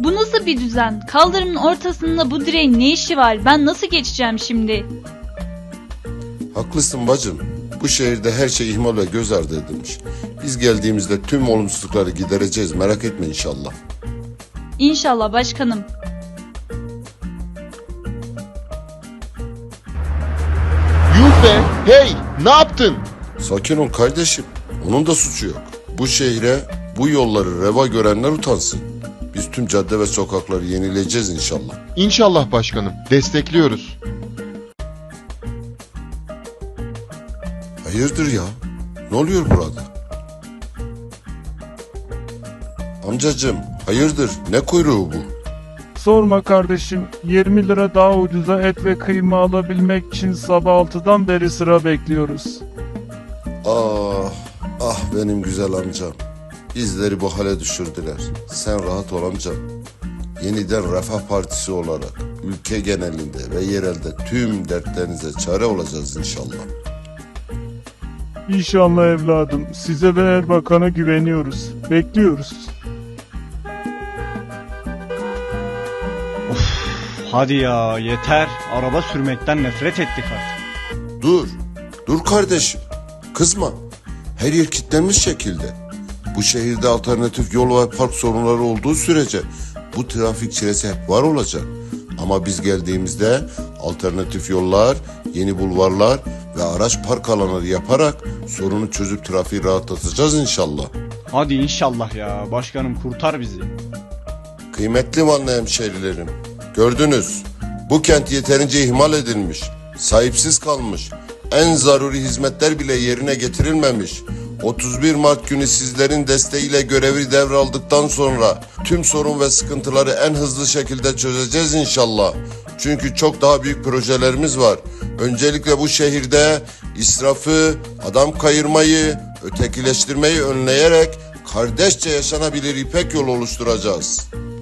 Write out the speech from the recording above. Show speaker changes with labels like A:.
A: Bu nasıl bir düzen? Kaldırımın ortasında bu direğin ne işi var? Ben nasıl geçeceğim şimdi?
B: Haklısın bacım. Bu şehirde her şey ihmal ve göz ardı edilmiş. Biz geldiğimizde tüm olumsuzlukları gidereceğiz, merak etme inşallah.
A: İnşallah başkanım.
C: Yuh be! Hey! Ne yaptın?
B: Sakin ol kardeşim. Onun da suçu yok. Bu şehre, bu yolları reva görenler utansın. Biz tüm cadde ve sokakları yenileyeceğiz inşallah.
C: İnşallah başkanım. Destekliyoruz.
B: Hayırdır ya? Ne oluyor burada? Amcacığım, hayırdır? Ne kuyruğu bu?
D: Sorma kardeşim, 20 lira daha ucuza et ve kıyma alabilmek için sabah 6'dan beri sıra bekliyoruz.
B: Ah, ah benim güzel amcam. Bizleri bu hale düşürdüler. Sen rahat ol amcam. Yeniden Refah Partisi olarak ülke genelinde ve yerelde tüm dertlerinize çare olacağız inşallah.
D: İnşallah evladım, size ve Erbakan'a güveniyoruz. Bekliyoruz.
E: Hadi ya yeter. Araba sürmekten nefret ettik artık.
B: Dur kardeşim. Kızma. Her yer kilitlenmiş şekilde. Bu şehirde alternatif yol ve park sorunları olduğu sürece bu trafik çilesi hep var olacak. Ama biz geldiğimizde alternatif yollar, yeni bulvarlar ve araç park alanları yaparak sorunu çözüp trafiği rahatlatacağız inşallah.
E: Hadi inşallah ya. Başkanım kurtar bizi.
B: Kıymetli Vanlı hemşehrilerim, gördünüz, bu kent yeterince ihmal edilmiş, sahipsiz kalmış, en zaruri hizmetler bile yerine getirilmemiş. 31 Mart günü sizlerin desteğiyle görevi devraldıktan sonra tüm sorun ve sıkıntıları en hızlı şekilde çözeceğiz inşallah. Çünkü çok daha büyük projelerimiz var. Öncelikle bu şehirde israfı, adam kayırmayı, ötekileştirmeyi önleyerek kardeşçe yaşanabilir İpek yolu oluşturacağız.